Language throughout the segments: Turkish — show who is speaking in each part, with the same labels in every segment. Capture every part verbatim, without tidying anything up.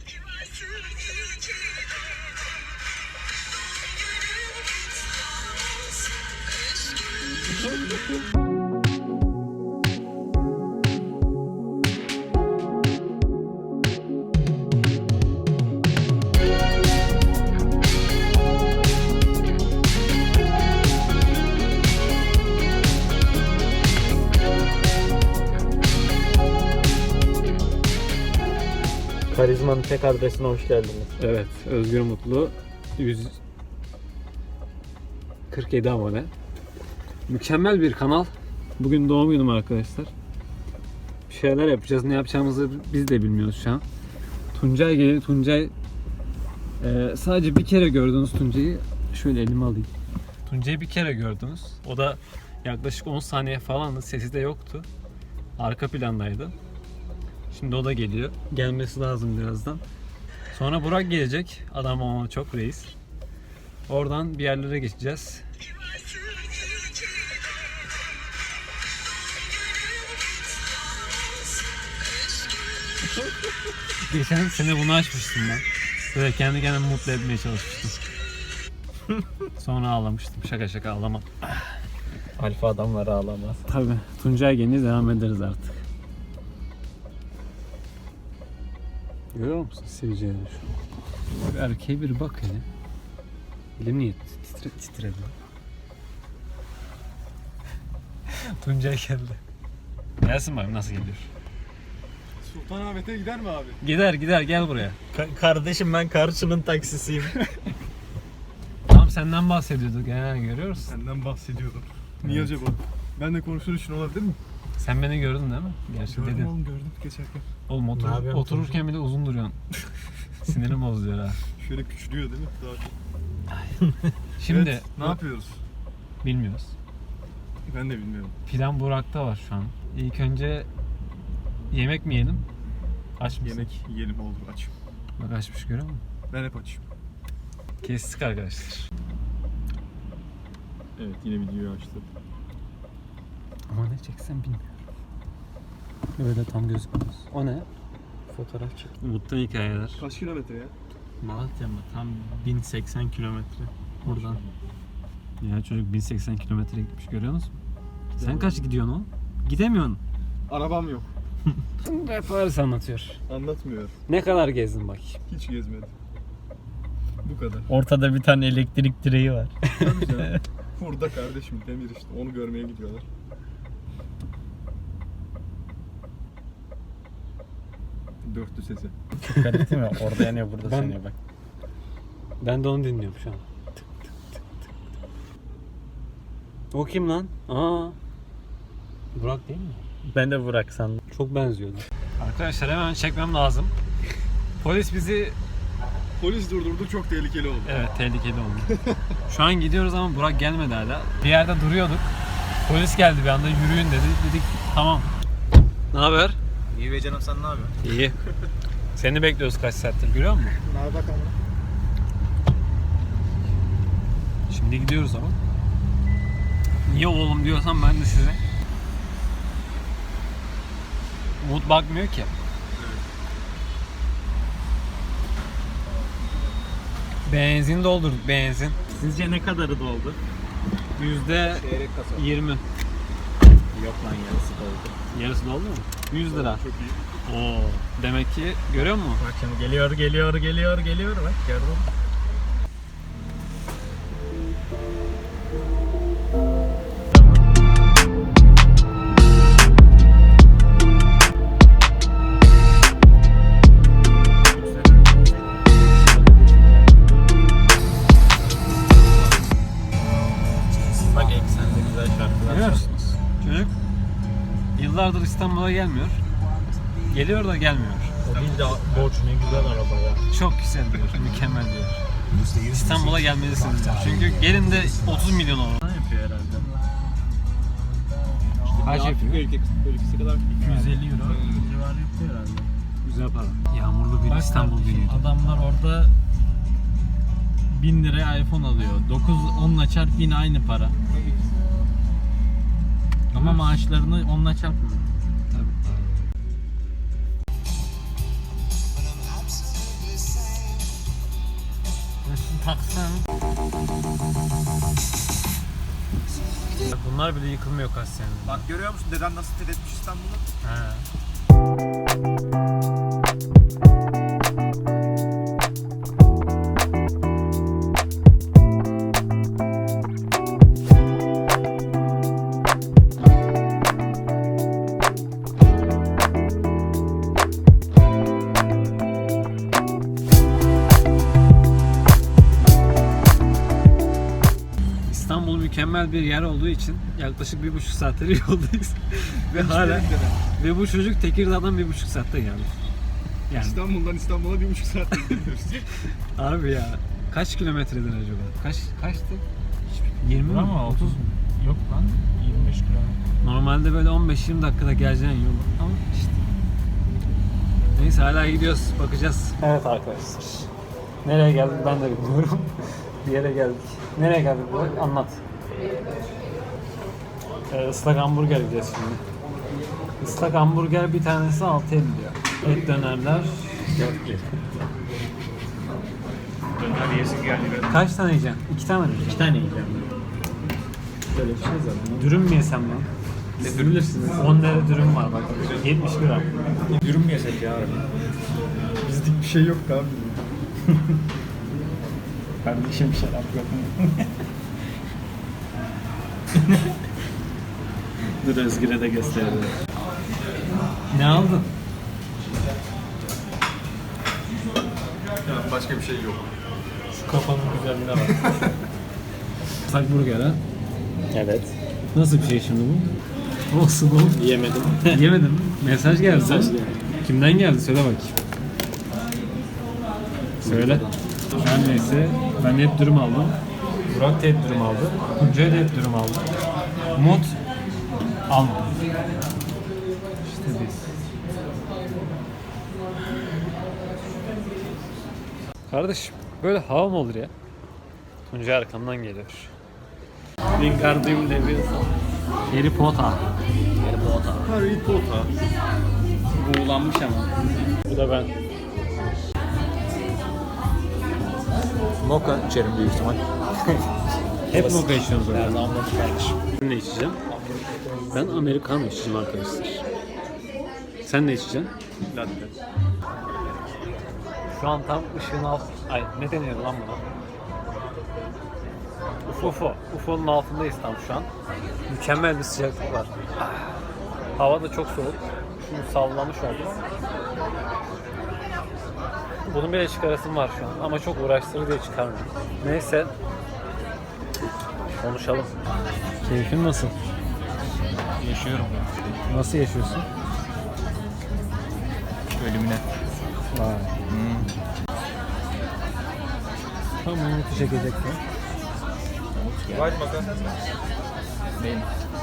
Speaker 1: Karizmanın tek adresine hoş geldiniz.
Speaker 2: Evet, Özgür Mutlu yüz kırk yedi abone. Mükemmel bir kanal. Bugün doğum günüm arkadaşlar. Bir şeyler yapacağız. Ne yapacağımızı biz de bilmiyoruz şu an. Tuncay geliyor. Tuncay e, sadece bir kere gördünüz Tuncay'ı. Şöyle elime alayım. Tuncay'ı bir kere gördünüz. O da yaklaşık on saniye falandı. Sesi de yoktu. Arka plandaydı. Şimdi o da geliyor. Gelmesi lazım birazdan. Sonra Burak gelecek. Adam ama çok reis. Oradan bir yerlere geçeceğiz. Geçen sene bunu açmıştım ben. Böyle kendi kendimi mutlu etmeye çalışmıştım. Sonra ağlamıştım. Şaka şaka ağlamam.
Speaker 1: Alfa adamlar ağlamaz.
Speaker 2: Tabii. Tuncay gelince devam ederiz artık. Görüyor musun seveceğini şu? Bir erkeğe bir bak hele. Elim niye titre, titredi? Tuncay geldi. Gelsin bakayım nasıl geliyor.
Speaker 3: Sultanahmet'e gider mi abi?
Speaker 2: Gider gider gel buraya.
Speaker 1: Ka- kardeşim ben Karşı'nın taksisiyim.
Speaker 2: Tam senden bahsediyorduk ya, görüyoruz.
Speaker 3: Senden bahsediyordum. Niye evet. Acaba? Ben de konuşur için olabilir mi?
Speaker 2: Sen beni gördün değil mi? Gerçi
Speaker 3: gördüm
Speaker 2: dedin.
Speaker 3: oğlum gördüm geçerken.
Speaker 2: Oğlum otur, otururken bile uzun duruyorsun. Sinirim bozuyor ha.
Speaker 3: Şöyle küçülüyor değil mi? Daha çok.
Speaker 2: Şimdi
Speaker 3: evet, ne yapıyoruz?
Speaker 2: Bilmiyoruz.
Speaker 3: Ben de bilmiyorum.
Speaker 2: Plan Burak'ta var şu an. İlk önce yemek mi yiyelim? Aç mısın?
Speaker 3: Yemek yiyelim oldu açım.
Speaker 2: Bak açmış görüyor musun?
Speaker 3: Ben hep açım.
Speaker 2: Kestik arkadaşlar.
Speaker 3: Evet yine videoyu açtım.
Speaker 2: Ama ne çeksem bilmiyorum. Öyle tam gözükmüyor. O ne?
Speaker 1: Fotoğraf çek.
Speaker 2: Mutlu hikayeler.
Speaker 3: Kaç kilometre ya?
Speaker 1: Malatya mı? Tam bin seksen kilometre buradan.
Speaker 2: Ya çocuk bin seksen kilometre gitmiş, görüyor musun? Sen kaç gidiyorsun oğlum? Gidemiyorsun.
Speaker 3: Arabam yok.
Speaker 2: Hep Paris anlatıyor.
Speaker 3: Anlatmıyor.
Speaker 2: Ne kadar gezdin bak?
Speaker 3: Hiç gezmedim. Bu kadar.
Speaker 1: Ortada bir tane elektrik direği var.
Speaker 3: Tabii canım. Burada kardeşim demir işte. Onu görmeye gidiyorlar. Dörtlü sesi.
Speaker 1: Çok garip değil mi? Orada yanıyor, burada
Speaker 2: Ben-
Speaker 1: yanıyor bak.
Speaker 2: Ben de onu dinliyorum şu an. O kim lan? Aa. Burak değil mi?
Speaker 1: Ben de Burak sandım.
Speaker 2: Çok benziyordu. Arkadaşlar hemen çekmem lazım. Polis bizi...
Speaker 3: Polis durdurdu, çok tehlikeli oldu.
Speaker 2: Evet, tehlikeli oldu. Şu an gidiyoruz ama Burak gelmedi hala. Bir yerde duruyorduk. Polis geldi bir anda, yürüyün dedi. Dedik tamam. Ne haber?
Speaker 4: İyi be canım, sen ne yapıyorsun?
Speaker 2: İyi. Seni bekliyoruz kaç saattir, görüyor musun?
Speaker 4: Nerede bakalım?
Speaker 2: Şimdi gidiyoruz ama. Niye oğlum diyorsam ben de size. Umut bakmıyor ki. Benzin doldurduk, benzin.
Speaker 1: Sizce ne kadarı doldu?
Speaker 2: Yüzde
Speaker 4: Çeyrek kasa.
Speaker 2: yirmi.
Speaker 1: Yok lan, yarısı doldu.
Speaker 2: Yarısı doldu mu? yüz lira.
Speaker 3: Çok iyi.
Speaker 2: Oo. Demek ki görüyor musun?
Speaker 1: Bak şimdi geliyor, geliyor, geliyor, geliyor. Bak gördün mü? Bak eksende güzel şarkılar.
Speaker 2: Görüyor musunuz? Çocuk yıllardır İstanbul'a gelmiyor. Geliyor da gelmiyor.
Speaker 1: O değil de borç, ne güzel araba ya.
Speaker 2: Çok güzel diyor, mükemmel diyor. İstanbul'a gelmelisiniz diyor. Çünkü gelin de otuz milyon olur.
Speaker 1: Ne yapıyor herhalde?
Speaker 2: Kaç yapıyor?
Speaker 3: Ülkesi kadar.
Speaker 1: iki yüz elli euro civarı yapıyor herhalde.
Speaker 2: Güzel para. Yağmurlu bir
Speaker 1: Bak
Speaker 2: İstanbul
Speaker 1: kardeşim,
Speaker 2: günüydü.
Speaker 1: adamlar orada bin liraya iPhone alıyor. dokuz onla çarp yine aynı para. Ama maaşlarını onla çarpmıyor.
Speaker 2: taksın. Bunlar bile yıkılmıyor kaç senedir.
Speaker 3: Bak görüyor musun deden nasıl fethetmiş İstanbul'u?
Speaker 2: He. İstanbul mükemmel bir yer olduğu için yaklaşık bir buçuk saattir yoldayız. Ve hala ve bu çocuk Tekirdağ'dan bir buçuk saatte geldi. Yani
Speaker 3: İstanbul'dan İstanbul'a bir buçuk saatte gidiyoruz.
Speaker 2: abi ya kaç kilometredir acaba? Kaç kaçtı? yirmi mi?
Speaker 1: Ama
Speaker 2: otuz mu?
Speaker 1: Yok lan yirmi beş kilometre.
Speaker 2: Normalde böyle on beş yirmi dakikada geleceğin yol ama işte. Neyse hala gidiyoruz, bakacağız. Evet arkadaşlar. Nereye geldik ben de bilmiyorum. Bir yere geldik. Nereye geldik bu? Anlat. Ee, ıslak hamburger yiyeceğiz şimdi. Islak hamburger bir tanesi altı elli diyor. Et dönerler dört lira.
Speaker 1: Döner yesin geldi ben.
Speaker 2: Kaç tane yiyeceksin? İki tane mi yiyeceksin?
Speaker 1: İki tane yiyeceğim. Böyle bir şey zaten.
Speaker 2: Dürüm mü yesem lan?
Speaker 1: Ne dürüm bilirsiniz?
Speaker 2: on lira dürüm var bak. yetmiş lira.
Speaker 1: Dürüm mü yesek ya?
Speaker 3: Bizlik bir şey yok abi.
Speaker 1: Kardeşim şarap yok mu? Dur Özgür'e de gösterelim.
Speaker 2: Ne aldın?
Speaker 3: Yani başka bir şey yok.
Speaker 2: Şu kafanın güzelliğine bak. Islak burger ha?
Speaker 1: Evet.
Speaker 2: Nasıl bir şey şimdi bu? Olsun oğlum.
Speaker 1: Yemedim.
Speaker 2: Yemedin mi? Mesaj geldi.
Speaker 1: Mesaj
Speaker 2: sana.
Speaker 1: geldi.
Speaker 2: Kimden geldi? Söyle bakayım. Söyle. Her neyse ben hep dürüm aldım. Burak da hep dürüm aldı. Tuncay da hep dürüm aldı. Umut almadı. İşte biz. Kardeşim böyle hava mı olur ya? Tuncay arkamdan geliyor. Wingardium Leviosa. Harry Potter.
Speaker 1: Harry Potter.
Speaker 3: Harry Potter.
Speaker 1: Buğulanmış ama.
Speaker 2: Bu da ben.
Speaker 1: Mocha içerim büyük ihtimal.
Speaker 2: Hep mocha içiyoruz
Speaker 1: Her
Speaker 2: öyle.
Speaker 1: zaman mocha kardeşim.
Speaker 2: Ben ne içeceğim? Ben Americano içeceğim arkadaşlar. Sen ne içeceksin?
Speaker 3: Latte.
Speaker 2: Şu an tam ışığın alt... Ay ne deniyor lan buna? U F O. U F O'nun altındayız tam şu an. Mükemmel bir sıcaklık var. Hava da çok soğuk. Şimdi sallamış oldu. Bunun bile çıkarasım var şu an ama çok uğraştırır diye çıkarmıyorum. Neyse. Konuşalım. Keyfin nasıl?
Speaker 1: Yaşıyorum.
Speaker 2: Nasıl yaşıyorsun?
Speaker 1: Ölümüne.
Speaker 2: Vay.
Speaker 1: Hmm.
Speaker 2: Tam Umut'u çekecektim.
Speaker 3: White makas.
Speaker 1: Benim.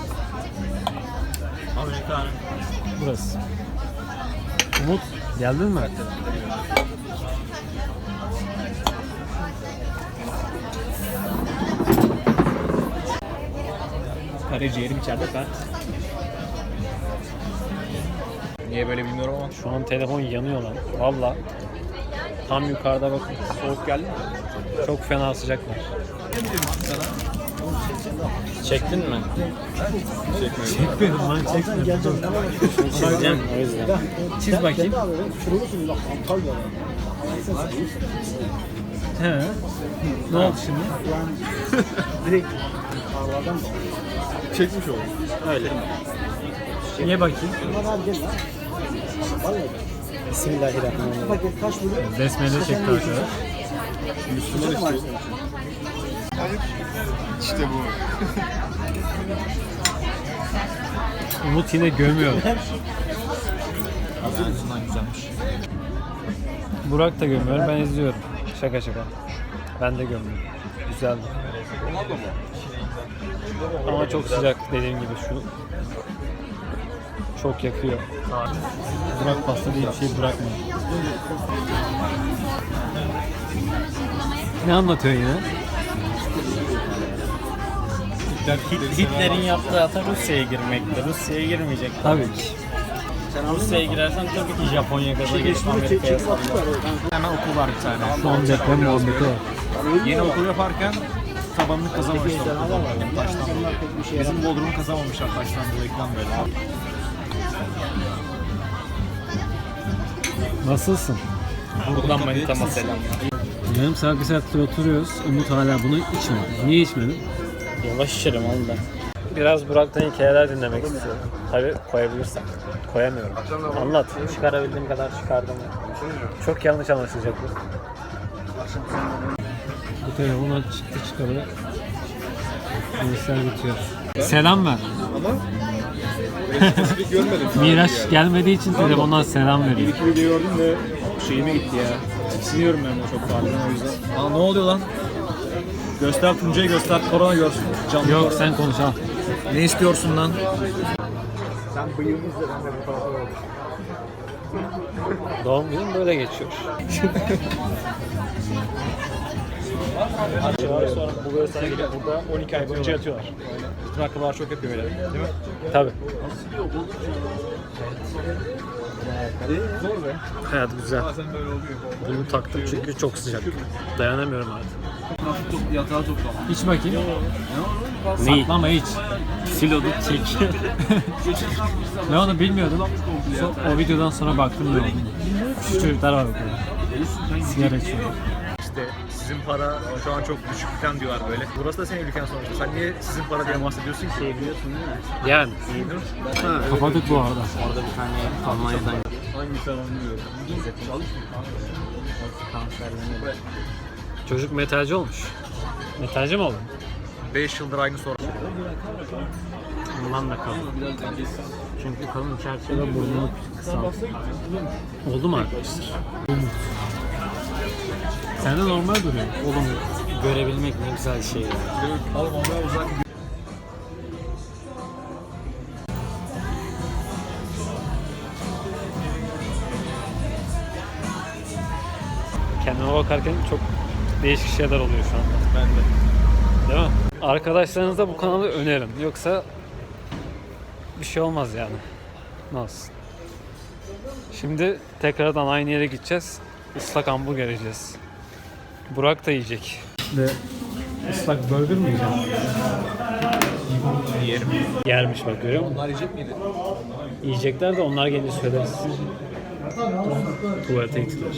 Speaker 1: Amerikan.
Speaker 2: Burası. Umut geldin mi?
Speaker 1: Karaciğerim içeride ben. Niye böyle bilmiyorum ama.
Speaker 2: Şu an telefon yanıyor lan. Valla. Tam yukarıda bakın.
Speaker 1: Soğuk geldi mi?
Speaker 2: Çok fena sıcak var.
Speaker 1: Çektin mi?
Speaker 2: Çekmedim lan çekmedim.
Speaker 1: Çizeceğim o yüzden.
Speaker 2: Çiz bakayım. He. Ne oldu şimdi?
Speaker 3: Çekmiş oldum.
Speaker 1: Öyle.
Speaker 2: Niye bakayım?
Speaker 1: Bismillahirrahmanirrahim.
Speaker 2: Besmele çekti arkadaş.
Speaker 3: Müslüman istiyor. Hayır. İşte bu.
Speaker 2: Umut yine gömüyor.
Speaker 1: Ağzından güzelmiş.
Speaker 2: Burak da gömüyor. Ben izliyorum. Şaka şaka. Ben de gömüyorum. Güzeldi. Ama çok sıcak dediğim gibi şu. Çok yakıyor. Burak pasta diye bir şey bırakmıyor. Ne anlatıyor yine?
Speaker 1: Hitler'in yaptığı hata Rusya'ya girmekti. Rusya'ya girmeyecek.
Speaker 2: Tabii ki.
Speaker 1: Rusya'ya girersen tabii ki Japonya kadar geçip Amerika'ya sallar. Hemen okul var bir tane.
Speaker 2: Son deprem muhabbeti var.
Speaker 4: Yeni okul yaparken tabanını kazamamışlar. Taştan dolayı. Bizim Bodrum'u kazamamışlar taştan dolayı falan böyle.
Speaker 2: Nasılsın?
Speaker 1: Buradan manitama selam.
Speaker 2: Yarım saat bir saattir oturuyoruz. Umut hala bunu içmedi. Niye içmedin?
Speaker 1: Yavaş içerim oğlum ben.
Speaker 2: Biraz Burak'tan hikayeler dinlemek istiyorum. Tabii koyabilirsem. Koyamıyorum. Anlat. Çıkarabildiğim kadar çıkardım. Çok yanlış anlaşılacak bu. Bu telefon çıktı çıkalı. Bilgisayar bitiyor. Selam ver.
Speaker 3: Ama spesifik görmedim.
Speaker 2: Miraç gelmediği için telefondan selam
Speaker 4: Bir
Speaker 2: veriyor.
Speaker 4: iki video gördüm ve şeyime gitti ya. Tiksiniyorum ben de çok fazla o yüzden. Aa ne oluyor lan? Göster Tuncay'ı göster, korona görsün. Canlı
Speaker 2: Yok
Speaker 4: korona.
Speaker 2: sen konuş al.
Speaker 4: Ne istiyorsun lan?
Speaker 2: Doğum günüm böyle geçiyor.
Speaker 4: Sonra bu böyle sana gelip burada on iki ay boyunca yatıyorlar. Bütün akrabalar çok yapıyor böyle, değil mi?
Speaker 2: Tabii.
Speaker 4: Zor be.
Speaker 2: Hayat güzel.
Speaker 3: Bazen böyle oluyor.
Speaker 2: Bunu taktım çünkü çok sıcak. Dayanamıyorum artık.
Speaker 3: Yatağa toplama.
Speaker 2: İç bakayım. Neyi? Saklama iç. Silodu çek. Ben onu bilmiyordum. So- o videodan sonra baktım ne olduğunu. Şu çocuklar var burada. Sigara içiyor.
Speaker 4: İşte sizin para şu an çok düşük falan diyorlar böyle. Burası da senin ülken sonuçta. Sen niye sizin para diye bahsediyorsun ki? Şey biliyorsun değil mi?
Speaker 2: Yani.
Speaker 4: Ha,
Speaker 2: Kapadık bu arada.
Speaker 1: Orada bir tane Almanya'dan
Speaker 3: Hangisi anlamıyorum.
Speaker 2: Çocuk metalci olmuş. Metalci mi oldu?
Speaker 4: beş yıldır aynı soru.
Speaker 2: Ondan da kalın. Çünkü kalın çerçeve burnunu kısalttı. Oldu mu arkadaşlar? Sen de normal duruyor.
Speaker 1: oğlum görebilmek ne güzel şey ya.
Speaker 3: Oğlum ondan uzak.
Speaker 2: Kendime bakarken çok değişik şeyler oluyor şu an.
Speaker 3: Ben de.
Speaker 2: Değil mi? Arkadaşlarınıza bu kanalı önerin. Yoksa bir şey olmaz yani. Nasıl? Şimdi tekrardan aynı yere gideceğiz. Islak hamburger yiyeceğiz. Burak da yiyecek. Ve ıslak burger mi yiyeceğim?
Speaker 4: Yerim.
Speaker 2: Yermiş bak, görüyor musun?
Speaker 4: Onlar yiyecek miydi?
Speaker 2: Yiyecekler de onlar gelince söyleriz. Tuvalete gittiler.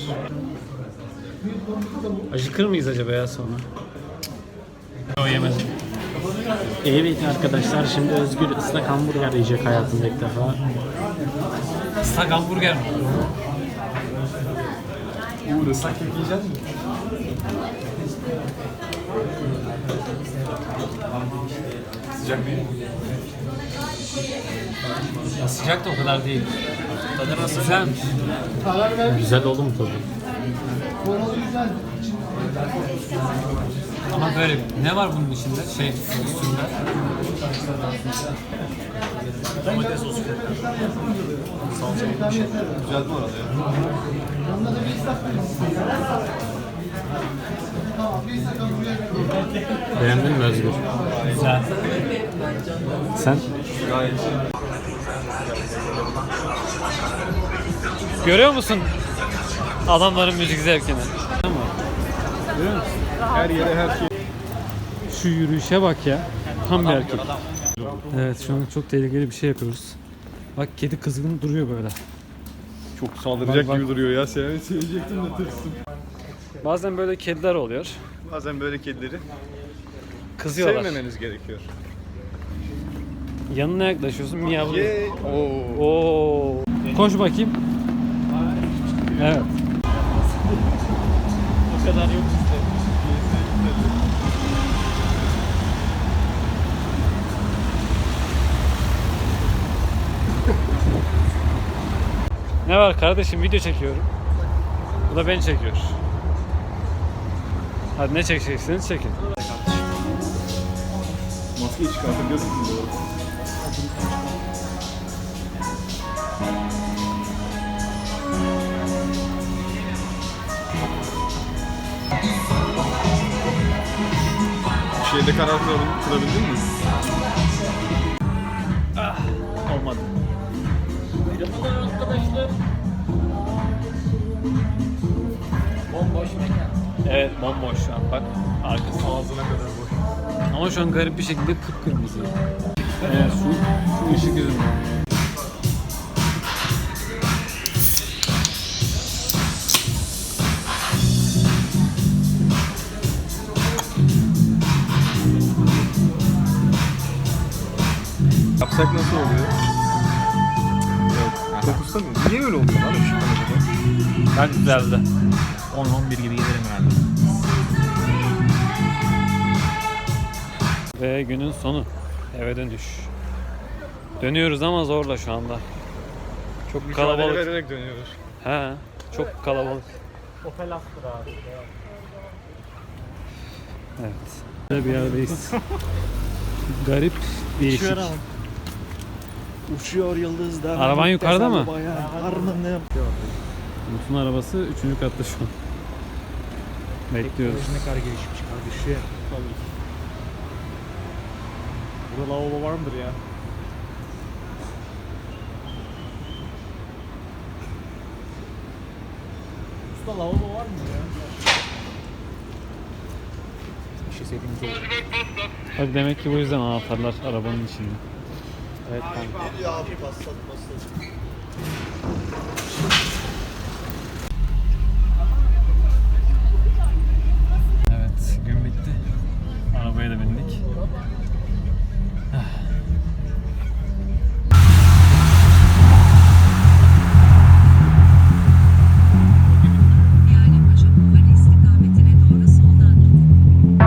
Speaker 2: Acıkır mıyız acaba ya sonra? O yemedim. Evet arkadaşlar, şimdi Özgür ıslak hamburger yiyecek hayatında ilk defa. Islak hamburger mi?
Speaker 3: Uğur ıslak kek yiyecek misin? Sıcak değil mi?
Speaker 2: Ya sıcak da o kadar değil.
Speaker 4: Tadı nasıl?
Speaker 2: Güzel mi? Güzel oğlum tadı. Ama böyle ne var bunun içinde? Şey üstünde.
Speaker 4: Domates sosu. Salça gibi bir şey.
Speaker 3: Güzel bu arada ya.
Speaker 2: Beğendin mi Özgür? Güzel. Sen?
Speaker 3: Gayet.
Speaker 2: Görüyor musun adamların müzik zevkini? Görüyor musun?
Speaker 3: Her yere her şey.
Speaker 2: Şu yürüyüşe bak ya. Tam bir erkek. Evet, şu an çok tehlikeli bir şey yapıyoruz. Bak kedi kızgın duruyor böyle.
Speaker 3: Çok saldıracak
Speaker 2: Bak, bak.
Speaker 3: gibi duruyor ya. Seni sevecektim de tırstım.
Speaker 2: Bazen böyle kediler oluyor.
Speaker 3: Bazen böyle kedileri
Speaker 2: Kızıyorlar.
Speaker 3: sevmemeniz gerekiyor.
Speaker 2: Yanına yaklaşıyorsun, miyavlıyor.
Speaker 3: Ye. Oo.
Speaker 2: Oo. Koş bakayım. Evet.
Speaker 4: O kadar yok bizde.
Speaker 2: Ne var kardeşim, video çekiyorum. Bu da beni çekiyor. Hadi ne çekeceksiniz çekin.
Speaker 3: Maskeyi çıkartıp gözükmüyor doğru. Şeyde karar kılabildin, kılabildin mi?
Speaker 4: Olmadı.
Speaker 1: Bomboş mekan.
Speaker 2: Evet bomboş şu an bak. Arkası ağzına kadar boş. Ama şu an garip bir şekilde kıpkırmızı. Evet şu, şu ışık yüzünden.
Speaker 3: Yapsak nasıl oluyor? Fokusta mı? Niye öyle oluyor lan ışıklar acaba?
Speaker 2: Bak güzeldi.
Speaker 4: on on bir gibi gelirim herhalde.
Speaker 2: Ve günün sonu. Eve dönüş. Dönüyoruz ama zorla şu anda. Çok kalabalık.
Speaker 3: vererek dönüyoruz.
Speaker 2: He, çok kalabalık.
Speaker 4: Opel Astra abi.
Speaker 2: Evet. Böyle bir yerdeyiz. Garip, değişik.
Speaker 4: Uçuyor ama. Uçuyor yıldızlar.
Speaker 2: Araban yukarıda mı?
Speaker 4: Harmanım.
Speaker 2: Umut'un arabası üçüncü katta şu an. Bekliyoruz.
Speaker 4: Ne kadar gelişmiş kardeşim. Burada lavabo var mıdır ya? Usta lavabo var mı ya? Bir şey sevdiğimiz olur.
Speaker 2: Hadi demek ki bu yüzden anahtarlar arabanın içinde.
Speaker 4: Evet kanka.
Speaker 2: Evet, gün bitti. Arabaya da bindik.
Speaker 5: Paşa Bulvarı istikametine doğru soldan gidin.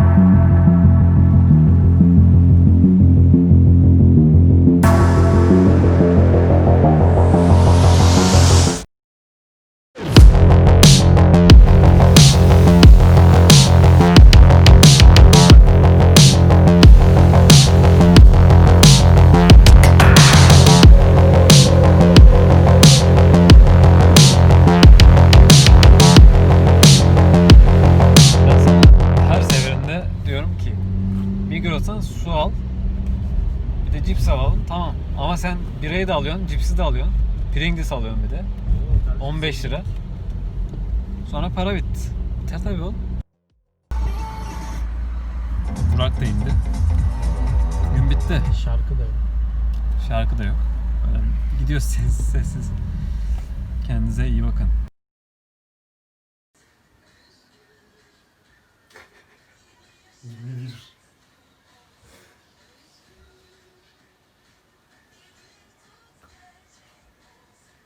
Speaker 2: Ben sana her seferinde diyorum ki Migros'tan su al, bir de cips alalım, tamam. Ama sen birayı da alıyorsun, cipsi de alıyorsun, Pringles alıyorsun bir de. on beş lira. Sonra para bitti. Biter tabii oğlum. Burak da indi. Gün bitti.
Speaker 4: Şarkı da yok.
Speaker 2: Şarkı da yok. Öyle gidiyoruz sessiz sessiz. Kendinize iyi bakın.